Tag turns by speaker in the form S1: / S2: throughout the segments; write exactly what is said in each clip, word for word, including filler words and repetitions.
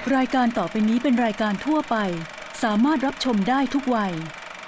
S1: รายการต่อไปนี้เป็นรายการทั่วไปสามารถรับชมได้ทุกวัย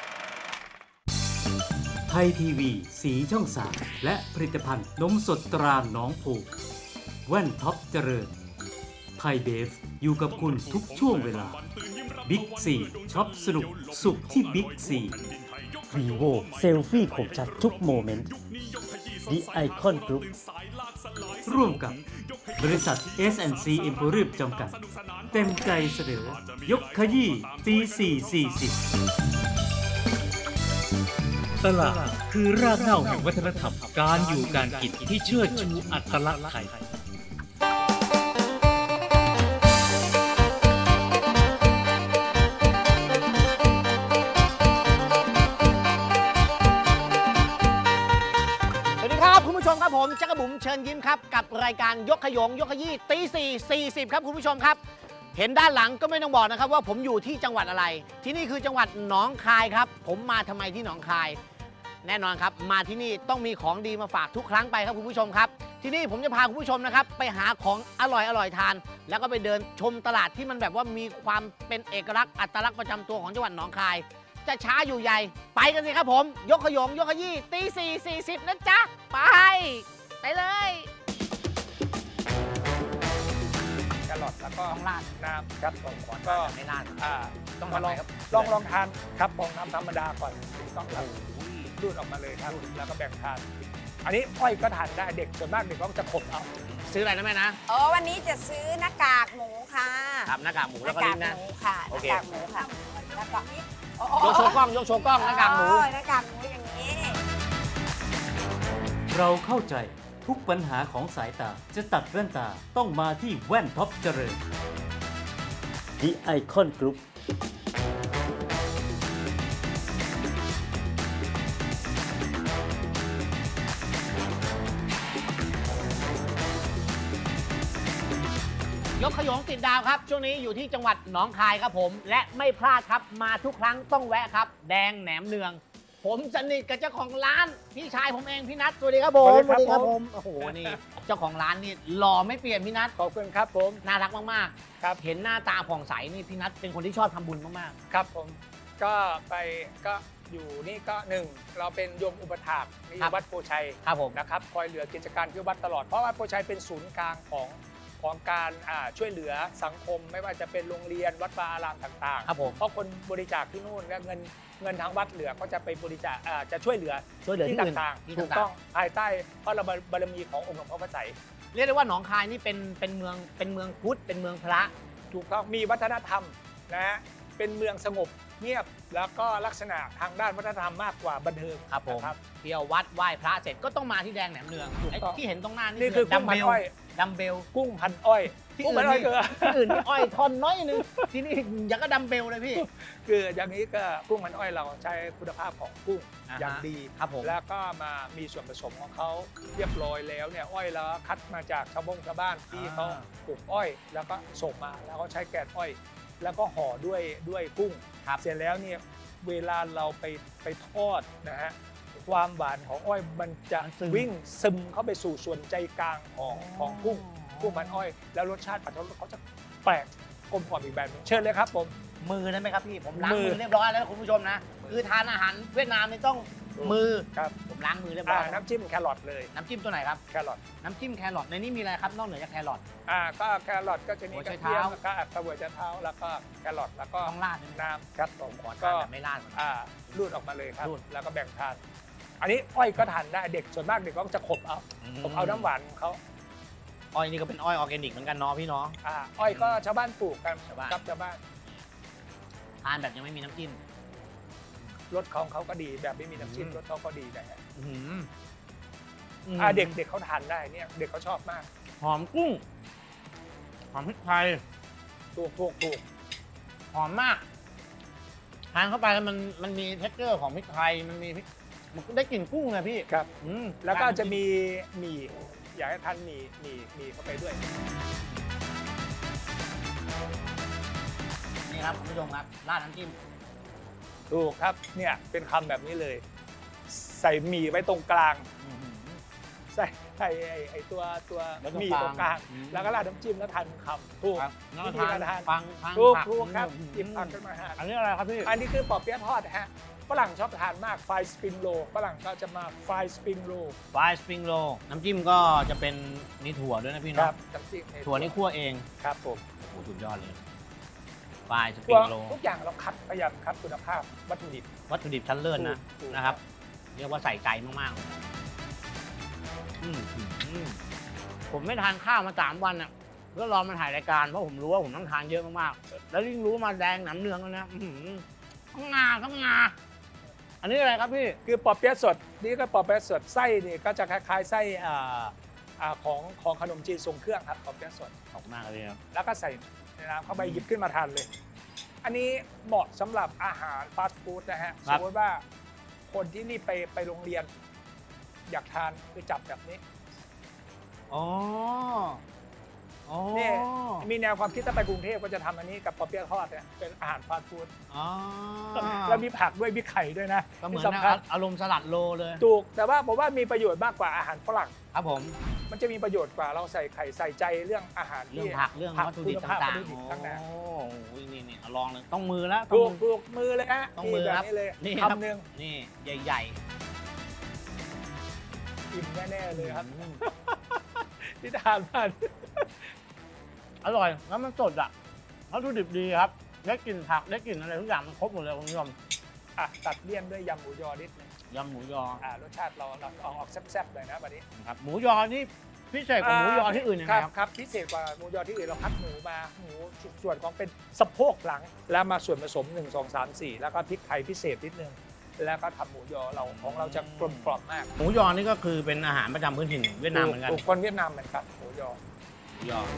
S2: ไทยทีวีสีช่องสามและผลิตภัณฑ์นมสดตราหนองผูกแว่นท็อปเจริญไทยเบฟอยู่กับคุณทุกช่วงเวลาบิ๊กซีช็อปสนุกสุขที่บิ๊กซี
S3: vivo เซลฟี่คมชัดทุกโมเมนต์ The Icon Group
S2: ร่วมกับบริษัท เอส แอนด์ ซี Emporium จำกัดเต็มใจเสนอยกขยี้ตีสี่สี่สิบ
S4: ตลาดคือรากเหง้าแห่งวัฒนธรรมการอยู่การกินที่เชิดชูอัตลักษณ์ไทย
S5: สวัสดีครับคุณผู้ชมครับผมจักรบุ๋มเชิญยิ้มครับกับรายการยกขยงยกขยี้ตีสี่สี่สิบครับคุณผู้ชมครับเห็นด้านหลังก็ไม่ต้องบอกนะครับว่าผมอยู่ที่จังหวัดอะไรที่นี่คือจังหวัดหนองคายครับผมมาทำไมที่หนองคายแน่นอนครับมาที่นี่ต้องมีของดีมาฝากทุกครั้งไปครับคุณผู้ชมครับที่นี่ผมจะพาคุณผู้ชมนะครับไปหาของอร่อยอร่อยทานแล้วก็ไปเดินชมตลาดที่มันแบบว่ามีความเป็นเอกลักษณ์อัตลักษณ์ประจำตัวของจังหวัดหนองคายจะช้าอยู่ใหญ่ไปกันสิครับผมยกขยงยกขยี้ตีสี่สี่สิบนะจ๊ะไปไปเลย
S6: แครอทแล้วก็
S5: ต้องราด
S6: น้ำครับผมก็
S5: ไม่ราด
S6: อ่า
S5: ต้อง
S6: มา
S5: ทำ
S6: ล
S5: ไง
S6: อง
S5: ครับ
S6: ลองลองทานครับลองน้ำธรรมดาก่อนต้องครับรูดออกมาเลยครับแล้วก็แบ่งทาน อันนี้อ้อยก็ทานได้เด็กส่วนมากเด็กก็จะขบเอา
S5: ซื้ออะไรนะแม่นะ
S7: อ๋อวันนี้จะซื้อหน้ากากหมูค่ะ
S5: ครับหน้ากากหมู
S7: ห
S5: แล้ว
S7: น้า
S5: ก็
S7: กา
S5: ลิ้
S7: ก
S5: นนะ
S7: หมูค่ะห
S5: โอ
S7: น้า
S5: เค
S7: กากหมูค่ะแล้วก็
S5: ยกโชว์กล้องยกโชว์กล้องหน้ากากหมู
S7: อ๋อหน้ากากหมูอย่างนี้
S2: เราเข้าใจทุกปัญหาของสายตาจะตัดแว่นตาต้องมาที่แว่นท็อปเจริญ
S3: The Icon Group
S5: ยกขยงติดดาวครับช่วงนี้อยู่ที่จังหวัดหนองคายครับผม และไม่พลาดครับมาทุกครั้งต้องแวะครับ แดงแหนมเนือง ผมสนิทกับเจ้าของร้านพี่ชายผมเองพี่นัทสวัสดีครับผม
S6: สวัสดีครับผม
S5: โอ้โหนี่เจ้าของร้านนี่หล่อไม่เปลี่ยนพี่นัท
S6: ขอบคุณครับผม
S5: น่ารักมาก
S6: ครับ
S5: ๆเห็นหน้าตาผ่องใสนี่พี่นัทเป็นคนที่ชอบทำบุญมาก
S6: ครับผมก็ไปก็อยู่นี่ก็หนึ่งเราเป็นโยมอุปถากนี่วัดโพชัย
S5: ๆครับผม
S6: นะครับคอยเหลือกิจการที่วัดตลอดเพราะว่าโพชัยเป็นศูนย์กลางของของการอ่าช่วยเหลือสังคม ไม่ว่าจะเป็นโรงเรียนวัดวาอารามต่างๆ
S5: ครับผม
S6: เพราะคนบริจาคที่นู่นและเงินเงินทางวัดเหลือก็จะไปบริจาคอ่าจะช่วยเหลือ
S5: ช่วยเหลือที่
S6: ที่
S5: อื่น
S6: ต่าง
S5: ที่
S6: ๆถูก
S5: ต่างๆ
S6: ต้องภายใต้พระบารมีขององค์หลวงพ่อพระไสย
S5: เรียกได้ว่าหนองคายนี่เป็นเป็นเมืองเป็นเมืองพุทธเป็นเมืองพระ
S6: ถูกต้องมีวัฒนธรรมนะฮะเป็นเมืองสงบเงียบแล้วก็ลักษณะทางด้านวัฒนธรรมมากกว่าบันเทิง
S5: ครับผม
S6: นะ
S5: เที่ยววัดไหว้พระเสร็จก็ต้องมาที่แดงแหนมเนือง
S6: ถูก
S5: ไอ้
S6: ต้อง
S5: ที่เห็นตรงหน้านี่
S6: นี่คือ
S5: ดั
S6: กุ้
S5: ม
S6: งพั
S5: เบ
S6: น
S5: ล
S6: อ้อย
S5: ดัมเบล
S6: กุ้งพันอ้อย
S5: ที่
S6: กุ้ง
S5: อื่
S6: พั
S5: น
S6: นอ้อย
S5: นี่
S6: คือ
S5: ที่อื่นนี่อ้อยทอนน้อยนึงที่นี่อย่างก็ดัมเบลเลยพี่
S6: คืออย่างนี้ก็กุ้งพันอ้อยเราใช้คุณภาพของกุ้ง
S5: อ่าฮะ
S6: อย่างดี
S5: ครับผม
S6: แล้วก็มามีส่วนผสมของเขาเรียบร้อยแล้วเนี่ยอ้อยแล้วคัดมาจากชาวบงชาวบ้านที่เขาปลูกอ้อย แล้วก็ส่งมาแล้วก็ใช้แกนอ้อย แล้วก็ห่อด้วยด้วยกุ้ง
S5: ครับ
S6: เสร็จแล้วเนี่ยเวลาเราไปไปทอดนะฮะความหวานของอ้อยมันจะ
S5: มันซึม
S6: วิ่งซึมเข้าไปสู่ส่วนใจกลางของของกุ้งกุ้งพันอ้อย แล้วรสชาติปัจจุบันเขาจะแปลกกลมกล่อมอีกแบบหนึงเชิญเลยครับผม
S5: มือนั้นไหมครับพี่ผมล้าง
S6: มื
S5: มื
S6: อ
S5: อเรียบร้อยแล้วนะคุณผู้ชมนะคือทานอาหารเวียดนามนี่ต้องมือ
S6: ครับ
S5: ผมล้างมือเรียบร้
S6: อ่า
S5: อย
S6: น้ำจิ้มแครอทเลย
S5: น้ำจิ้มตัวไหนครับ
S6: แครอท
S5: น้ำจิ้มแครอทในนี้มีอะไรครับนอกเหนือจากแครอท
S6: อ่าก็แครอทก็จะมี
S5: หัว
S6: ก
S5: ไช
S6: ระ
S5: เท้า
S6: เทียมแล้วก็กระบวยเท้าแล้วก็แครอทแล้วก็
S5: ต้องราดด้วยไหม
S6: น้ำครับผม
S5: ขอทา
S6: ก็
S5: นแบบไม่ราดก่อน
S6: อ่ารูดออกมาเลยครับ
S5: รูด
S6: แล้วก็แบ่งทาน อันนี้อ้อยก็ทานได้เด็กส่วนมากเด็กก็จะขบเอาขบเอาน้ำหวานของเขา
S5: อ้อยนี่ก็เป็นอ้อยออร์แกนิกเหมือนกันเนาะพี่เนาะ
S6: อ่าอ้อยก็ชาวบ้านปลูกกัน
S5: ชาวบ้าน
S6: ครับชาวบ้าน
S5: ทานแบบยังไม่มีน้ำจิ้ม
S6: รสของเขาก็ดีแบบไม่มีน้ำจิ้ม
S5: อืม
S6: รสเขาก็ดีนะฮะ
S5: อื้อหือ
S6: อ่าเด็กเด็กเขาทานได้เนี่ยเด็กเขาชอบมาก
S5: หอมกุ้งหอมพริกไทย
S6: ถูกถูกถูก
S5: หอมมากทานเข้าไปแล้วมันมันมีเท็กเจอร์ของพริกไทยมันมีพริกมันได้กลิ่นกุ้งไงพี่
S6: ครับ
S5: อืม
S6: แล้วก็จะมีหมี่อยากให้ทานหมี่หมี่หมี่เข้าไปด้วย
S5: นี่ครับคุณผู้ชมครับราดน้ำจิ้ม
S6: ถูกครับเนี่ยเป็นคำแบบนี้เลย ใส่หมี่ไว้ตรงกลาง
S5: อื้อหือ
S6: ใส่ไอ้ไอ้ไอ้ตัวตัว
S5: แล้วตรง
S6: หมีตรงกลาง
S5: อืม
S6: แล้วก็ราดน้ำจิ้มแล้วทานคำถูก
S5: ครับแล้ว
S6: วิ
S5: ก็
S6: ธี
S5: ทาน
S6: การทาน
S5: ฟังฟัง
S6: ถูก
S5: ผั
S6: ถูกครับ
S5: อืม
S6: หยิบผักขึ้นมาทาน
S5: อันนี้อะไรครับพี่
S6: อันนี้คือปอเปี๊ยะทอดนะฮะฝรั่งชอบทานมากไฟสปริงโรฝรั่งก็จะมาไฟสปริงโร
S5: ฟรายสปริงโรน้ำจิ้มก็จะเป็นนี่ถั่วด้วยนะพี่
S6: ค
S5: เนาะ
S6: รับน้ำจิ้มใน
S5: ถั่วนี่คั่วเอง
S6: ครับผม
S5: โอ้โหสุดยอดเลยฟรายสปริ
S6: ตัว
S5: งโร
S6: ทุกอย่างเราคัดพยายามคัดคุณภาพวัตถุดิบ
S5: วัตถุดิบชั้นเลิศนะ
S6: ถูก
S5: นะครับ เรียกว่าใส่ใจมากๆเลยอืมอืมผมไม่ทานข้าวมาสามวันอ่ะก็รอมาถ่ายรายการเพราะผมรู้ว่าผมต้องทานเยอะมากๆแล้วยิ่งรู้มาแดงหนำเนืองแล้วนะอื้อหือทั้งงาทั้งงาอันนี้อะไรครับพี่
S6: คือปอเปี๊ยะสดนี่ก็ปอเปี๊ยะสดไส้นี่ก็จะคล้ายๆไส้อ่าอ่าของของขนมจีนทรงเครื่องครับปอเปี๊ยะสด
S5: ขอบคุณมากเลยครับ
S6: แล้วก็ใส่ในน้ำเข้าไปหยิบขึ้นมาทานเลย อันนี้เหมาะสำหรับอาหารฟาสต์ฟู้ดนะฮะสมมติว่าคนที่นี่ไปไปโรงเรียน อยากทานคือจับแบบนี้
S5: อ๋ออ๋อ
S6: นี่มีแนวความคิดถ้าไปกรุงเทพก็จะทำอันนี้กับปอเปี๊ยะทอดเนี่ยเป็นอาหารฟาสต์ฟู้ด
S5: อ๋อ
S6: แล้วมีผักด้วยมีไข่ด้วยนะ
S5: ก็เหมือน
S6: ที่สำคัญ
S5: อารมณ์สลัดโลเลย
S6: ถูกแต่ว่าผมว่ามีประโยชน์มากกว่าอาหารฝรั่ง
S5: ครับผม
S6: มันจะมีประโยชน์กว่าเราใส่ไข่ใส่ใจเรื่องอาหาร
S5: เรื่อง
S6: ที่
S5: ผักเรื่องวัตถุดิบ
S6: คุณภาพ
S5: ต่าง
S6: วัตถุดิบ
S5: ๆ
S6: ต่าง
S5: โอ้โหนี่นี่เอาลองเลยต้องมือแล้ว
S6: ๆ
S5: ต้อ
S6: ถู
S5: ง
S6: ก
S5: มือ
S6: ถูกมือเลยฮะ
S5: ต้องมือ
S6: แบบ
S5: ครับ
S6: นี้เลย
S5: นี่ครับ
S6: คำหนึ่ง
S5: นี่ใหญ่
S6: อิ่มแน่ๆ
S5: ๆ
S6: เลยครับ
S5: อืม
S6: ที่ทานมัน
S5: อร่อยแล้วมันสดอ่ะวัตถุดิบดีครับได้กลิ่นผักได้กลิ่นอะไรทุกอย่างมันครบหมดเลยคุณผู้ชม
S6: อ่ะตัดเลี่ยนด้วยยำหมูยอนิดนึง
S5: ยำหมูยอ
S6: อ่ารสชาติเราเราเอาออกแซ่บๆเลยนะวันนี้
S5: นะครับหมูยอนี่พิเศษกว่าหมูยอที่อื่นยังไง
S6: ครับ
S5: ครับ
S6: ครับพิเศษกว่าหมูยอที่อื่นเราคัดหมูมาหมูส่วนของเป็นสะโพกหลัง แล้วมาส่วนผสมหนึ่ง สอง สาม สี่แล้วก็พริกไทยพิเศษนิดนึงแล้วก็ทำหมูยอเราของเราจะกลมกล่อมมาก
S5: หมูยอนี่ก็คือเป็นอาหารประจำพื้นถิ่นเวียดนามเหมือนกัน
S6: ถูกคนเวียดนามเหมือนกันหมูยอ
S5: หมูยอ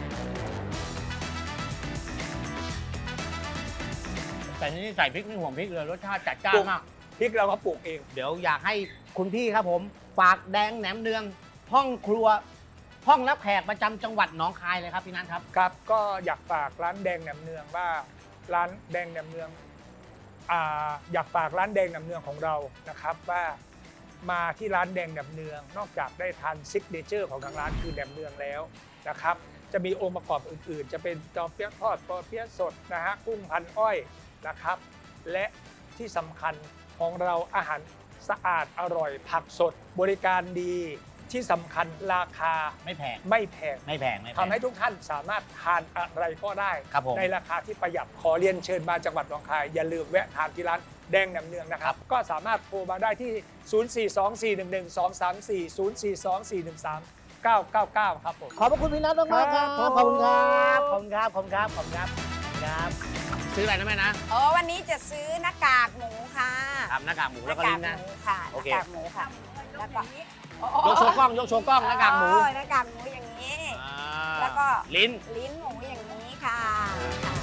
S5: แต่ที่นี่ใส่พริกไม่ห่วงพริกเลยรสชาติจัดจ้านมาก
S6: พริกเราก็ปลูกเอง
S5: เดี๋ยวอยากให้คุณพี่ครับผม ฝากแดงแหนมเนือง ห้องครัว ห้องรับแขกประจำจังหวัดหนองคายเลยครับพี่นัทครับ
S6: ครับก็อยากฝากร้านแดงแหนมเนืองว่าร้านแดงแหนมเนืองอ่าอยากฝากร้านแดงแหนมเนืองของเรานะครับว่ามาที่ร้านแดงแหนมเนือง นอกจากได้ทานซิกเนเจอร์ของทางร้านคือแหนมเนืองแล้วนะครับจะมีองค์ประกอบอื่นๆ จะเป็นจอเปี๊ยะทอดปอเปี๊ยะสดนะฮะกุ้งพันอ้อยนะครับและที่สำคัญของเราอาหารสะอาดอร่อยผักสดบริการดีที่สำคัญราคา
S5: ไม่แพง
S6: ไม่แพง
S5: ไม่แพงไม่แพง
S6: ทำให้ทุกท่านสามารถทานอะไรก็ได้
S5: ครับผม
S6: ในราคาที่ประหยัดขอเรียนเชิญมาจังหวัดหนองคาย อย่าลืมแวะทานที่ร้านแดงแหนมเนืองนะครับ ก็สามารถโทรมาได้ที่ ศูนย์ สี่ สอง สี่ หนึ่ง หนึ่ง สอง สาม สี่ ศูนย์ สี่ สอง สี่ หนึ่ง สาม เก้า เก้า เก้า ครับผม
S5: ขอบพระคุณพี่นัทมากๆครับ
S6: ครับ
S5: ขอบคุณครับขอบคุณครับขอบคุณครับขอบคุณครับครับ ซื้ออะไรนะแม่นะ
S7: อ๋อวันนี้จะซื้อหน้ากากหมูค่ะ
S5: ครับหน้ากากหมู
S7: ห
S5: แล้ว
S7: น้า
S5: ก็
S7: กา
S5: ลิ้
S7: ก
S5: นนะ
S7: หมูค่ะห
S5: โอ
S7: น้า
S5: เค
S7: กากหมูค่ะแล้วก็
S5: ยกโชว์กล้องยกโชว์กล้องหน้ากากหมู
S7: อ๋อหน้ากากหมูอย่างนี้
S5: อ่า
S7: แล้วก็
S5: ลิ้น
S7: ลิ้นหมูอย่างนี้ค่ะค่ะ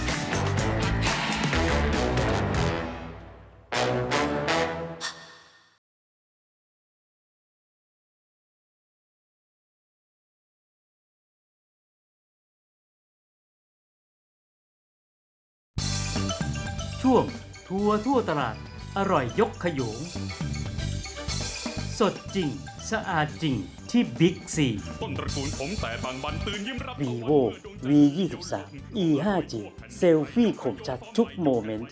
S2: ช่วงทัวร์ทั่วตลาดอร่อยยกขยง สดจริง สะอาดจริงที่บิ๊กซี
S8: ต้นตระกูลผมแต่บางบันตื่นยิ้มรับ
S3: vivo วี ยี่สิบสาม อี ห้าจี เซลฟี่คมชัดทุกโมเมนต์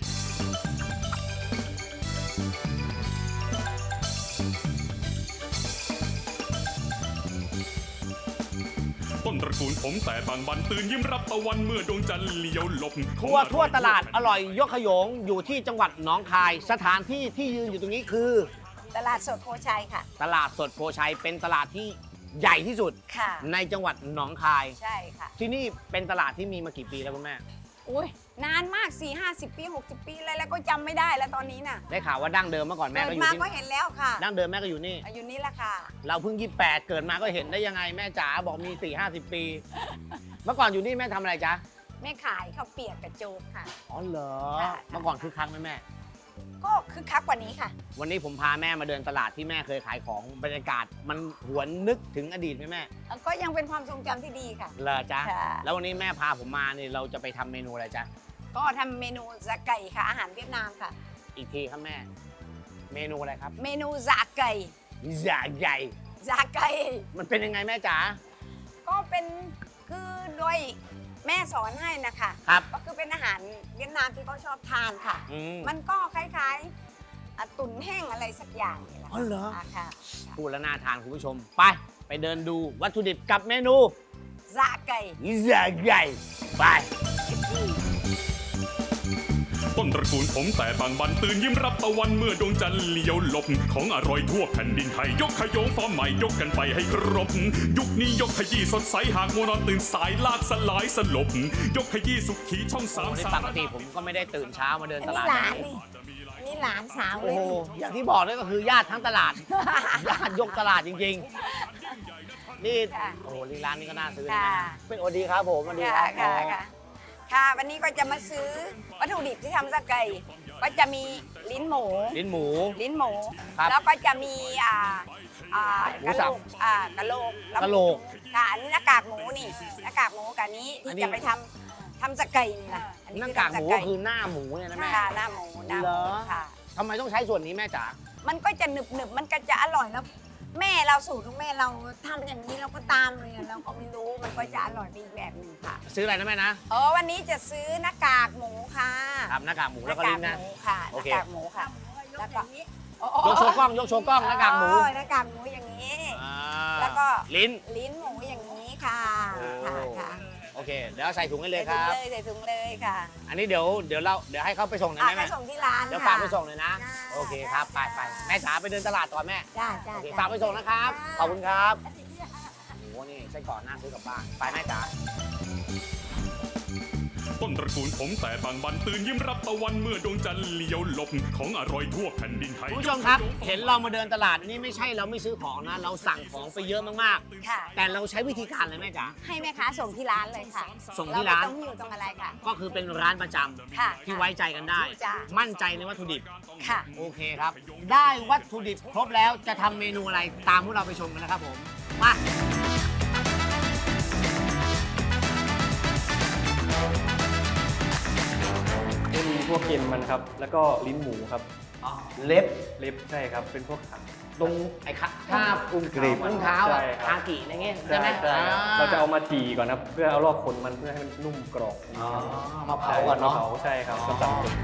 S8: ต้นตระกูลผมแต่บางบันตื่นยิ้มรับตะวันเมื่อดวงจันทร์เลี้ยวหลบ
S5: ทัวร์ทั่วตลาดอร่อยยกขยงอยู่ที่จังหวัดหนองคาย สถานที่ที่ยืนอยู่ตรงนี้คือ
S7: ตลาดสดโพชัยค่ะ
S5: ตลาดสดโพชัยเป็นตลาดที่ใหญ่ที่สุด
S7: ค่ะ
S5: ในจังหวัดหนองคาย
S7: ใช่ค่ะ
S5: ที่นี่เป็นตลาดที่มีมากี่ปีแล้วคุณแม่
S7: อุ้ยนานมาก สี่ห้าสิบ ปี หกสิบ ปีอะไรแล้วก็จำไม่ได้แล้วตอนนี้น่ะ
S5: ได้ข่าวว่าดั้งเดิมเมื่อก่อนแม่
S7: เกิ
S5: ก็
S7: ด
S5: อยู่
S7: มา
S5: ที่
S7: ก็เห็นแล้วค่ะ
S5: ดั้งเดิมแม่ก็อยู่นี่
S7: อายุนี้แหละค่ะ
S5: เราเพิ่งยี่สิบแปดเกิดมาก็เห็นได้ยังไงแม่จ๋าบอกมีสี่ห้าสิบปี เมื่อก่อนอยู่นี่แม่ทำอะไรจ๊ะ
S7: แม่ขายข้าวเปียกกับโจ๊กค่ะ
S5: อ๋อเหรอ
S7: ค่ะ
S5: เมื่อก่อนคือคักไหมแม่
S7: ก็คึกคักกว่านี้ค่ะ
S5: วันนี้ผมพาแม่มาเดินตลาดที่แม่เคยขายของบรรยากาศมันหวนนึกถึงอดีตไหมแม่
S7: ก็ยังเป็นความทรงจำที่ดีค่ะ
S5: เหรอจ๊ะ
S7: ค่ะ
S5: แล้ววันนี้แม่พาผมมาเนี่ยเราจะไปทำเมนูอะไรจ๊ะ
S7: ก็ทำเมนูซาไก่ค่ะ อาหารเวียดนามค่ะ
S5: อีกทีครับแม่ เมนูอะไรครับ
S7: เมนูซาไก่
S5: ใหญ่ใหญ่
S7: ซาไก่
S5: มันเป็นยังไงแม่จ๋า
S7: ก็เป็นคือโดยแม่สอนให้นะคะ
S5: ครับ
S7: ก็คือเป็นอาหารเวียดนามที่เขาชอบทานค่ะ
S5: อืม
S7: มันก็คล้ายๆอ่ะตุ๋นแห้งอะไรสักอย่างนี่แหละ
S5: อ๋อเหรอ
S7: ะค่ะ
S5: พูดแล้วน่าทานคุณผู้ชม ไป ไปเดินดูวัตถุดิบกับเมนู
S7: ซาไก่
S5: ใหญ่ใหญ่ไป
S8: ต้นตระกูลผมแต่บางบันตื่นยิ้มรับตะวันเมื่อดวงจันทร์เลี้ยวหลบของอร่อยทั่วแผ่นดินไทยยกขยงฟอร์มใหม่ยกกันไปให้ครบ ยุคนี้ยกขยี้สดใสหากมัวนอนตื่นสายลากสลายสลบ ยกขยี้สุขีช่องสาม
S5: โอ้นี่
S8: สา
S5: ป
S8: ม
S5: กติผมก็ไม่ได้ตื่นเช้ามาเดิน
S7: อัน
S5: ต
S7: นี้
S5: ลาด
S7: หลานนี่อันนี้หลานสาวเล
S5: โอ้
S7: ย
S5: โห อย่างที่บอกนี่ก็คือญาติทั้งตลาด ญาติยกตลาดจริงๆ นี่
S7: ค่ะ
S5: โอ้โหร้านนี้ก็น่าซื้อนะ
S7: ค่ะ
S5: เป็นโอดีครับผมสวัสดีค
S7: ค่ะ
S5: รับ
S7: ค่ะค่ะค่ะวันนี้ก็จะมาซื้อวัตถุดิบที่ทำซาไก่ ก็จะมีลิ้นหมู
S5: ลิ้นหมู
S7: ลิ้นหมู
S5: ครับ
S7: แล้วก็จะมีอ่าอ่า
S5: หมู
S7: กะโห
S5: สั
S7: ล
S5: บ
S7: กอ่ากะโหลกแว
S5: กะโหลก
S7: ค่ะอันนี้หน้ากากหมูนี่หน้ากากหมูกับนี้
S5: อัน
S7: ที่
S5: นี้
S7: จะไปทำทำซาไก่นี่นะอั
S5: หน้ากากหมู
S7: คื
S5: ก็
S7: อ
S5: คือหน้าหมูเนี่ยนะแม่
S7: ค่ะหน้าหมูหน้าห
S5: เหร
S7: มู
S5: อ
S7: ค่ะ
S5: ทำไมต้องใช้ส่วนนี้แม่จ๋า
S7: มันก็จะหนึบหนึบๆมันก็จะอร่อยแล้ว แม่เราสูตรของแม่เราทำอย่างนี้เราก็ตามเลยอะเราก็ไม่รู้มันก็จะอร่อยไปอีกแบบหนึงค่ะ
S5: ซื้ออะไรนะแม่นะ
S7: อ๋อวันนี้จะซื้อหน้ากากหมูค่ะ
S5: ครับหน้ากากหมูแล้วก็
S7: ห
S5: ลิ้
S7: น้าน กาก
S5: นะ
S7: หมูค่ะห
S5: โอ
S7: น้า
S5: เค
S7: กากหมูค่ะแล้วก็
S5: ยกโชว์กล้องยกโชว์กล้องหน้ากากหมู
S7: อ๋อหน้ากากหมูอย่างนี้
S5: อ่า
S7: แล้วก็
S5: ลิ้น
S7: ลิ้นหมูอย่างนี้ค่ะ
S5: โอ้
S7: ค่ะค่ะ
S5: โอเค เดี๋ยวเอาใส่ถุงให้เลยค
S7: ใส่
S5: รับ
S7: ถุงเลยใส่ถุงเลยค่ะ
S5: อันนี้เดี๋ยวเดี๋ยวเราเดี๋ยวให้เขาไปส่งหน่อย
S7: อ่ะ
S5: ไหม
S7: ไป
S5: แม่
S7: ส่งที่ร้าน
S5: เดี๋ยว
S7: ค่ะ
S5: ฝากไปส่งเลยนะ
S7: จ้า
S5: โอเคครับไปไปแม่จ๋าไปเดินตลาดต่อแม่
S7: จ้าจ้า
S5: โอเค
S7: จ้
S5: ฝากไปส่งนะครับ ขอบคุณครับโอ้โหนี่ไส้กรอกน่าซื้อกลับบ้าน ไปแม่จ๋า
S8: ต้นตระกูลผมแต่บางบันตื่นยิ้มรับตะวันเมื่อดวงจันทร์เลี้ยวหลบของอร่อยทั่วแผ่นดินไทย
S5: คุณผู้ชมครับ เห็นเรามาเดินตลาดนี่ไม่ใช่เราไม่ซื้อของนะ เราสั่งของไปเยอะมาก
S7: ค่ะ
S5: ๆ แต่เราใช้วิธีการเลยแม่จ๋า
S7: ให้แม่ค้าส่งที่ร้านเลยค่ะ
S5: ส่งที่ร้าน
S7: เไม่ต้องหิ้วต้องอะไรค่ะ
S5: ก็คือเป็นร้านประจำ
S7: ค่ะ
S5: ที่ไว้ใจกันได้
S7: จ้ะ
S5: มั่นใจในวัตถุดิบ
S7: ค่ะ
S5: โอเคครับ ได้วัตถุดิบครบแล้วจะทำเมนูอะไรตามพวกเราไปชมกันนะครับผม มา
S9: จะมีพวกเกล็นมันครับ แล้วก็ลิ้นหมูครับ
S5: เล็บ
S9: เล็บใช่ครับ เป็นพวกขา
S5: ตรงไอ้ขาท่าอุ้ง
S9: กรีบ
S5: อุ้งเท้าอะ
S9: ใช่ครับ
S5: คากิอะไรเงี้ยใช่ไหม
S9: ใช่ครับ
S5: อ่
S9: เราจะเอามาจี่ก่อนครับ เพื่อเอาลอกขนมันเพื่อให้มันนุ่มกรอบ
S5: อ๋อมาเผาก่อนเนาะ
S9: ใช่มเผาใช่ครับสำหรับผม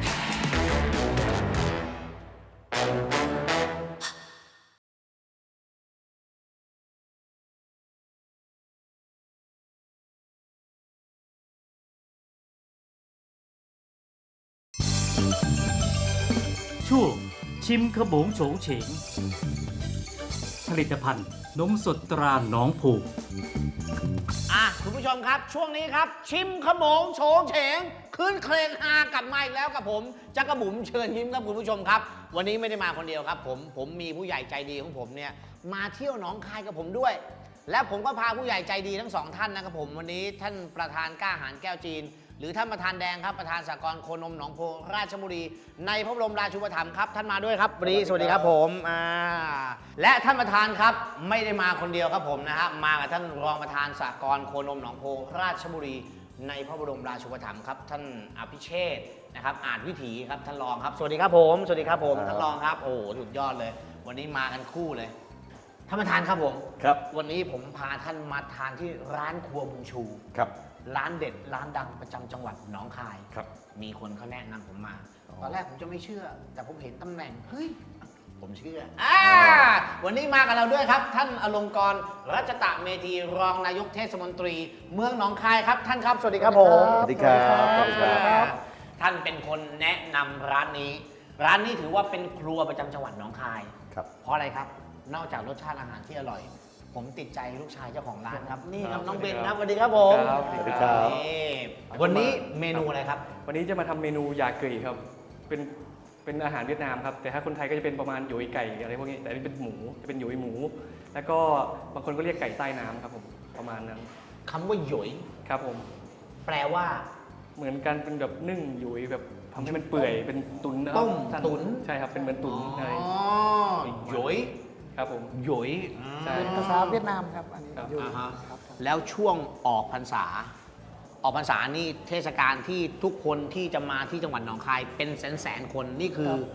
S2: ช่วงชิมขโมงโฉงเฉง ผลิตภัณฑ์นมสดตราหนองผูก
S5: อ่ะคุณผู้ชมครับ ช่วงนี้ครับ ชิมขโมงโฉงเฉงขึ้นเคลงฮากลับมาอีกแล้วกับผมจักรบุ๋มเชิญยิ้มครับคุณผู้ชมครับ วันนี้ไม่ได้มาคนเดียวครับ ผมผมมีผู้ใหญ่ใจดีของผมเนี่ยมาเที่ยวหนองคายกับผมด้วย และผมก็พาผู้ใหญ่ใจดีทั้งสองท่านนะครับผมวันนี้ท่านประธานกล้าหาญแก้วจีน หรือท่านประธานแดงครับประธานสหกรณ์โคนมหนองโพราชบุรี ในพระบรมราชูปถัมภ์ครับท่านมาด้วยครับวันนี้สวัสดีครับผมอ่าและท่านประธานครับไม่ได้มาคนเดียวครับผมนะฮะมากับท่านรองประธานสหกรณ์โคนมหนองโพราชบุรี ในพระบรมราชูปถัมภ์ครับท่านอภิเชษฐ์นะครับอาจวิถีครับท่านรองครับสวัสดีครับผมสวัสดีครับผมท่านรองครับโอ้โหสุดยอดเลย วันนี้มากันคู่เลยท่านประธานครับผม
S10: ครับ
S5: วันนี้ผมพาท่านมาทานที่ร้านครัวบุญชู
S10: ครับ
S5: ร้านเด็ดร้านดังประจำจังหวัดหนองคาย
S10: ครับ
S5: มีคนเขาแนะนำผมมา ตอนแรกผมจะไม่เชื่อ แต่ผมเห็นตำแหน่ง เฮ้ย ผมเชื่ออ่าวันนี้มากับเราด้วยครับ ท่านอลงกรณ์รัชตะเมธีรองนายกเทศมนตรี เมืองหนองคายครับ ท่านครับ สวัสดีครับผม
S10: สวัสดีครับสวัสดีครับ
S5: ท่านเป็นคนแนะนำร้านนี้ ร้านนี้ถือว่าเป็นครัวประจำจังหวัดหนองคาย
S10: ครับ
S5: เพราะอะไรครับ นอกจากรสชาติอาหารที่อร่อย ผมติดใจลูกชายเจ้าของร้านครับ นี่ครับน้องเบนครับสวัสดีครับผม
S9: ครับ
S10: สวัสดีครับ
S5: นี่วันนี้เมนูอะไรครับ
S9: วันนี้จะมาทำเมนูยาเกยครับ เป็นเป็นอาหารเวียดนามครับ แต่ถ้าคนไทยก็จะเป็นประมาณหยุยไก่อะไรพวกนี้ แต่อันนี้เป็นหมู จะเป็นหยุยหมู แล้วก็บางคนก็เรียกไก่ใต้น้ำครับผมประมาณนั้น
S5: คำว่าหยอย
S9: ครับผม
S5: แปลว่า
S9: เหมือนกันเป็นแบบนึ่งหยุยแบบทำให้มันเปื่อยเป็นตุ๋นนะครับ
S5: ต้ม
S9: ท่าน
S5: ตุ๋น
S9: ใช่ครับเป็นเหมือนตุ๋นใช่
S5: อ๋อหยอย
S9: ครับผม
S5: หยอย
S9: ใช่
S11: ภาษาเวียดนามครับ อันนี้
S9: ครับ
S11: อยู่
S5: อ่าฮะ
S11: ครับผม
S5: แล้วช่วงออกพรรษา ออกพรรษานี่เทศกาลที่ทุกคนที่จะมาที่จังหวัดหนองคายเป็นแสนแสนๆคนนี่คือ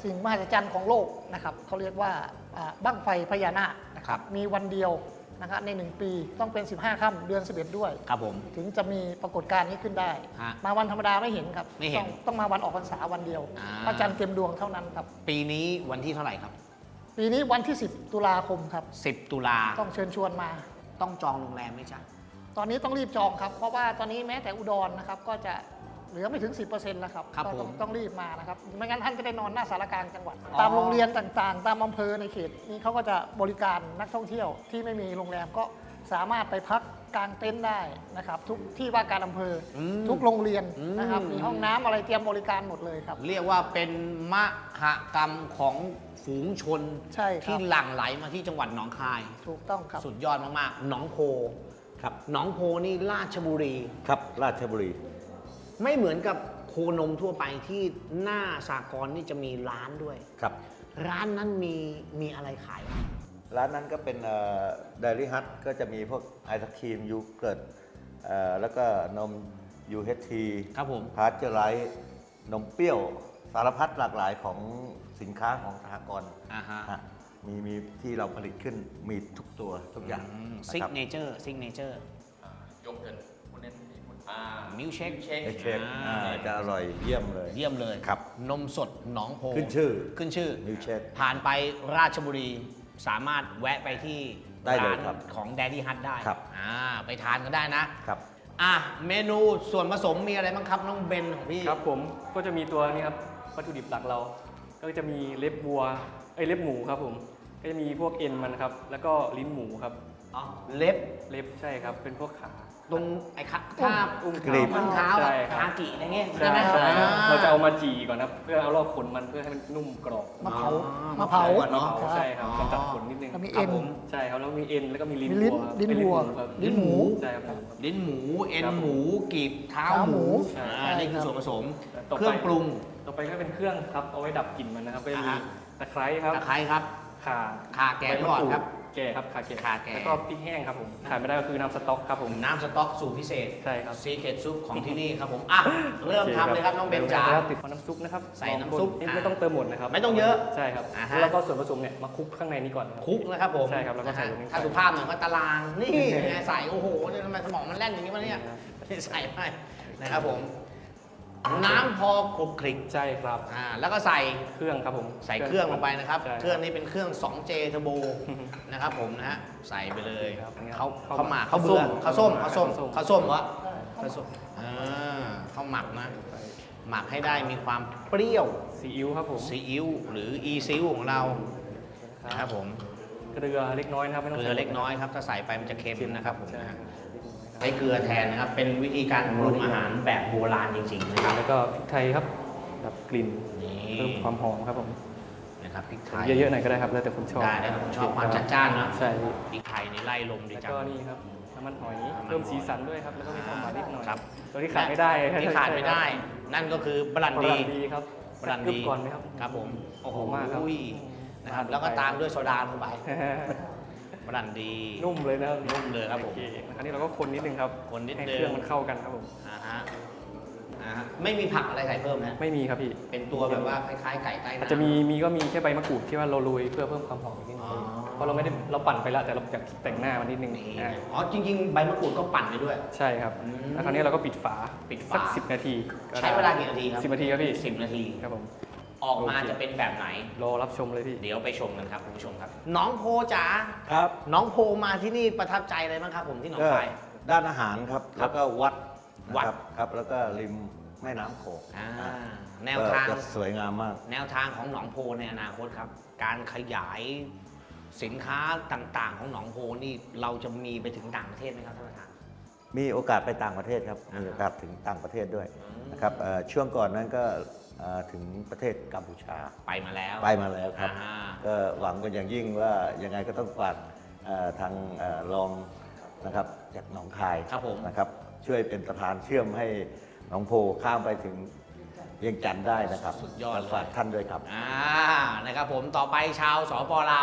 S11: สิ่งมหัศจรรย์ของโลกนะครับเขาเรียกว่าอ่าบั้งไฟพญานาคนะครับมีวันเดียวนะครับในหนึ่งปีต้องเป็นสิบห้าค่ำเดือนสิบเอ็ดด้วย
S5: ครับผม
S11: ถึงจะมีปรากฏการณ์นี้ขึ้นได้
S5: ฮะ
S11: มาวันธรรมดาไม่เห็นครับ
S5: ไม่เห็น
S11: ต้องต้องมาวันออกพรรษาวันเดียว
S5: อ่า
S11: พระจันทร์เต็มดวงเท่านั้นครับ
S5: ปีนี้วันที่เท่าไหร่ครับ
S11: ปีนี้วันที่สิบตุลาคมครับ
S5: สิบตุลา
S11: ต้องเชิญชวนมา
S5: ต้องจองโรงแรมไหมจ๊ะ
S11: ตอนนี้ต้องรีบจองครับ เพราะว่าตอนนี้แม้แต่อุดรนะครับก็จะเหลือไม่ถึง สิบเปอร์เซ็นต์ แล้วครับ
S5: ครับ
S11: ก็ต้อง
S5: ผม
S11: ต้องรีบมานะครับไม่งั้นท่านจะได้นอนหน้าสารกลางจังหวัด
S5: อ๋อ
S11: ตามโรงเรียนต่างๆ ตามอำเภอในเขตนี้เขาก็จะบริการนักท่องเที่ยวที่ไม่มีโรงแรมก็สามารถไปพักกางเต็นท์ได้นะครับทุกที่ว่าการอำเภออ
S5: ม
S11: ทุกโรงเรียนนะครับ
S5: อืม
S11: มีห้องน้ำอะไรเตรียมบริการหมดเลยครับ
S5: เรียกว่าเป็นมหกรรมของฝูงชน
S11: ใช่ครับ
S5: ที่หลั่งไหลมาที่จังหวัดหนองคาย
S11: ถูกต้องครับ
S5: สุดยอดมากๆหนองโพ
S3: ครับ
S5: หนองโพนี่ราชบุรี
S3: ครับราชบุรี
S5: ไม่เหมือนกับโคนมทั่วไปที่หน้าสากลนี่จะมีร้านด้วย
S3: ครับ
S5: ร้านนั้นมีมีอะไรขายบ้าง
S10: ร้านนั้นก็เป็นเดลี่ฮัทก็จะมีพวกไอศครีมยูเกิร์ตเอ่อแล้วก็นม ยู เอช ที
S5: ครับผม
S10: พาสเจอร์ไรส์นมเปรี้ยว สารพัดหลากหลายของสินค้าของสหกรณ์
S5: อ่าฮะ
S10: ฮะมีมีที่เราผลิตขึ้นมีทุกตัวทุกอย่าง
S5: ซิก
S10: นะครับ
S5: เนเจอร์ซิกเนเจอร์
S12: ยกเงินคุณเน้นอ่า
S5: มิลเชค
S10: เช็คเช็คอ่าจะอร่อยเยี่ยมเลย
S5: เยี่ยมเลย
S10: ครับ
S5: นมสดหนองโพ
S10: ขึ้นชื่อ
S5: ขึ้นชื่อ
S10: มิลเชค
S5: ผ่านไปราชบุรีสามารถแวะไปที่
S10: ได้เลย
S5: ร้าน
S10: ครับ
S5: ของ Daddy Hut ได้
S10: ครับ
S5: อ่าไปทานกันได้นะครับ อ่ะเมนูส่วนผสมมีอะไรบ้างครับ น้องเบนของพี่
S9: ครับผมก็จะมีตัวนี้ครับวัตถุดิบหลักเรา ก็จะมีเล็บวัวเอ้ยเล็บหมูครับผมก็จะมีพวกเอ็นมันครับแล้วก็ลิ้นหมูครับ
S5: อ๋อเล็บ
S9: เล็บใช่ครับเป็นพวกขา
S5: ตรงไอ้ขา
S9: อุ้ม
S5: ทาบ
S9: อุ้ม
S5: กรีบ
S9: เท้า
S5: มันเท้า
S9: ใช่ครับ
S5: คากิอะไรเงี้ย
S9: ใช่
S5: ใช่ไหม
S9: ใช่ครับ
S5: อ่
S9: เราจะเอามาจีก่อนครับเพื่อเอาลอกขนมันเพื่อให้มันนุ่มกรอบ
S11: มะเผา
S5: อ๋อ
S11: มะเผา
S5: ก่อนเนาะ
S9: ใช่ครับ
S5: อ๋อ
S9: กำจัดขนนิดนึง
S11: แล้วมี
S5: ครั
S11: เอ็
S5: บ
S11: น
S5: ผม
S9: ใช่ครับแล้วมีเอ็นแล้วก็มีลิ้น
S11: มีลิ้น
S9: วัวครับ
S11: ลิ้น
S9: เอ้ย
S11: วัว
S9: ครับ
S11: ลิ้นหมู
S9: ใช่ครับผม
S5: ลิ้นหมูเอ็น
S9: ครับ
S5: หมูกีบเท้า
S11: เท้า
S5: ห
S11: หมู
S5: มู
S9: ใช่
S5: อ่านี่คือส่วนผสม
S9: ต่อไป
S5: เครื่องปรุง
S9: ต่อไปก็เป็นเครื่องครับเอาไว้ดับกลิ่นมันนะครับก็จะมี
S5: อ่าฮะ
S9: ตะไคร้ครับ
S5: ตะไคร้ครับ
S9: ข่า
S5: ข่าแกงก่อนครับ
S9: แก่ครับข่าแก่
S5: ข่าแก่
S9: แล้วก็พริกแห้งครับผมขาดไม่ได้ก็คือน้ำสต๊อกครับผม
S5: น้ำสต๊อกสูตรพิเศษ
S9: ใช่ครับ
S5: ซีเคทซุปของที่นี่ครับผม อ่ะ เริ่มทำเลยครับน้องเบนจ๋า
S9: แล้วติดน้ำซุปนะครับ
S5: ใส่น้ำซุป
S9: ลองคนไม่ต้องเติมหมดนะครับ
S5: ไม่ต้องเยอะ
S9: ใช่ครับ
S5: อ่าฮะ
S9: แล้วก็ส่วนผสมเนี่ยมาคลุกข้างในนี้ก่อนครับ
S5: คลุกนะครับผม
S9: ใช่ครับแล้วก็ใส่
S5: นะ
S9: ตรงนี้
S5: ฮะถ้าสุภาพหน่อยก็ตาราง นี่ไงใส่ โอ้โหเนี่ยทำไมสมองมันแล่นอย่างนี้วะเนี่ยใส่ไปนะครับผม น้ำพอคลุกคลิก
S9: ใช่ครับ
S5: อ่า แล้วก็ใส่
S9: เครื่องครับผม
S5: ใส่เครื่องลงไปนะครับ
S9: ใช่
S5: เครื่องนี้เป็นเครื่อง ทู เจ Turbo นะครับผมนะฮะ ใส่ไปเลย
S9: ครับ
S5: เขา
S9: ข้าว
S5: เขาหมัก
S9: ข้า
S5: เขา
S9: ว
S5: เบื่อ
S9: ส้ม
S5: เขาส้มเขาส้ม
S9: ข้าวส้ม
S5: เขาส้มเหรอเขาส้มอ่าเขาหมักนะ หมักให้ได้มีความเปรี้ยว
S9: ซีอิ๊วครับผม
S5: ซีอิ๊วหรืออีซิวของเรานะครับผม
S9: เกลือเล็กน้อยนะครับไม่ต้อง
S5: เกลื
S9: ใส่
S5: อเล็กน้อยครับถ้าใส่ไปมันจะเค็มนะครับผม
S9: ใช่
S5: นะฮะ
S9: ครับ
S5: ใช้เกลือแทนนะครับเป็นวิธีการปรุงอาหารแบบโบราณจริงๆนะครับ
S9: แล้วก็พริกไทยครับดับกลิ่น
S5: นี่
S9: เพิ่มความหอมครับผม
S5: นะครับพริกไทย
S9: เยอะๆหน่อยก็ได้ครับแล้วแต่คนชอบ
S5: ได้แล้วแต่คนชอบความจัดจ้านนะ
S9: ใช่
S5: พริกไทยนี่ไล่ลมดี
S9: แล้ว
S5: จัง
S9: ก็นี่ครับน้ำมันหอย
S5: น้ำมันหอย
S9: เพิ่มสีสันด้วยครับแล้วก็มีความหวานนิดหน่อย
S5: ครับ
S9: ตัวที่ขาดไม่ได้
S5: ที่ขาดไม่ได้ นั่นก็คือบรัน
S9: บ
S5: ดี
S9: รันดีครับ
S5: บรันดี
S9: สักกึ๊ก่อนไหมครับ
S5: ครับผมโอ้โห
S9: หอมมากครับ
S5: นะครับแล้วก็ตามด้วยโซดาลงไปบรันดี
S9: นุ่มเลยนะครับ
S5: นุ่มเลยครับผม
S9: โอเคคราวนี้เราก็คนนิดนึงครับ
S5: คนนิด
S9: ให้
S5: นึง
S9: เครื่องมันเข้ากันครับผม
S5: อ่าฮะอ่าฮะไม่มีผักอะไรใส่เพิ่มนะ
S9: ไม่มีครับพี่
S5: เป็นตัวแบบว่าคล้ายๆไก่ใต้น้ำ
S9: อาจจะมีมีก็มีแค่ใบมะกรูดที่ว่าเราโรยเพื่อเพิ่มความหอมอีกนิดนึง
S5: อ๋อ
S9: เพราะเราไม่ได้เราปั่นไปแล้วแต่เราอยากแต่งหน้ามันนิดนึง
S5: นี่
S9: อ่า
S5: อ๋อจริงๆ ใบมะกรูดก็ปั่นไปด้วย
S9: ใช่ครับ
S5: อืม
S9: แล้วคราวนี้เราก็ปิดฝา
S5: ปิดฝา
S9: สักสิบนาทีก็
S5: ใช้เวลากี่นาทีครับ
S9: สิบนาทีครับพี่
S5: สิบนาที
S9: ครับผม
S5: ออกมาจะเป็นแบบไหน
S9: รอรับชมเลยพี่
S5: เดี๋ยวไปชมกันครับคุณผู้ชมครับ น้องโพจ๋า
S10: ครับ
S5: น้องโพมาที่นี่ประทับใจอะไรบ้างครับผมที่หนอง
S10: ก็
S5: คาย
S10: ด้านอาหารครับ
S5: ครับ
S10: แล้วก็วัด
S5: วัด
S10: นะครับครับ แล้วก็ริมแม่น้ำโขง
S5: อ่า
S10: อ่า
S5: แนวทาง
S10: ก็จะสวยงามมาก
S5: แนวทางของหนองโพในอนาคตครับ การขยายสินค้าต่างๆ ของหนองโพนี่เราจะมีไปถึงต่างประเทศไหมครับท่านประธาน
S10: มีโอกาสไปต่างประเทศครับ มีโอกาสถึงต่างประเทศด้วยนะครับเอ่อช่วงก่อนนั้นก็เอ่อถึงประเทศกัมพูชา
S5: ไปมาแล้ว
S10: ไปมาแล้วครับ
S5: อ่า
S10: ก็หวังกันอย่างยิ่งว่ายังไงก็ต้องฝากเอ่อทางเอ่อรองนะครับจากหนองคาย
S5: ครับผม
S10: นะครับ ช่วยเป็นสะพานเชื่อมให้หนองโพข้ามไปถึงเวียงจันทร์ได้นะครับ
S5: สุดยอดเลย
S10: ฝากท่านด้วยครับ
S5: อ่านะครับผมต่อไปชาวสปลาว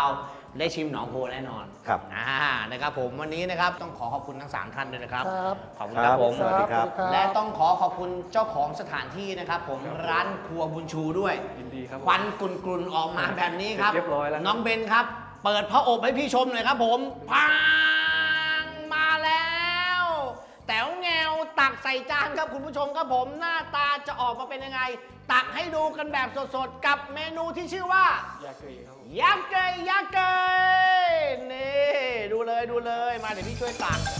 S5: ได้ชิมหนองโพแน่นอน
S10: ครับ
S5: อ่านะครับผมวันนี้นะครับต้องขอขอบคุณทั้งสามท่านด้วยนะครับ
S11: ครับ
S5: ขอบคุณครับผม
S10: สวัสดีครับ
S5: และต้องขอขอบคุณเจ้าของสถานที่นะครับผมร้านครัวบุญชูด้วย
S9: ยินดีครับ
S5: ควันกลุ่นๆออกมาแบบนี้ครับ
S9: เรียบร้อยแล้ว
S5: น้องเบนครับ เปิดพระอบให้พี่ชมหน่อยครับผมพังมาแล้ว แต๋วแงวตักใส่จานครับคุณผู้ชมครับผมหน้าตาจะออกมาเป็นยังไง ตักให้ดูกันแบบสดๆ กับเมนูที่ชื่อว่าย
S9: าเกยครับผม
S5: ยักษ์เกยยักษ์เกยนี่ดูเลยดูเลยมาเดี๋ยวพี่ช่วยตัก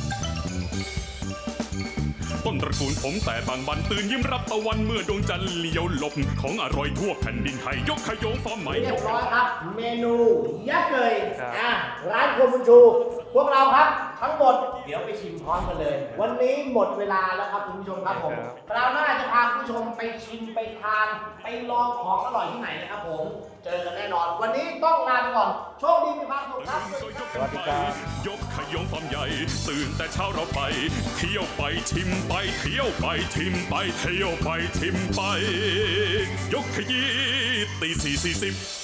S8: ต้นตระกูลผมแต่บางบันตื่นยิ้มรับตะวันเมื่อดวงจันทร์เลี้ยวหลบของอร่อยทั่วแผ่นดินไทยยกขยงฟอร์มใหม่
S5: เรี
S8: ย
S5: ยบ
S8: ก
S5: ร้อยครับ เมนูยักษ์เกย
S9: ครับ
S5: อ่ะร้านครัวบุญชู พวกเราครับ ทั้งหมดเดี๋ยวไปชิมพร้อมกันเลย วันนี้หมดเวลาแล้วครับคุณผู้ชมครับผมคราวหน้าจะพาคุณผู้ชมไปชิมไปทานไปลองของอร่อยที่ไหนนะครับผม เจอกันแน่นอน วันนี้ต้องลาไปก่อน โชคดีมีความสุขครับ
S10: สวัสดีครับ
S8: ยกขยงฟอร์มใหญ่ ตื่นแต่เช้าเราไป เที่ยวไปชิมไปเที่ยวไปชิมไปเที่ยวไปชิมไป ยกขยี้ตีสี่สี่สิบ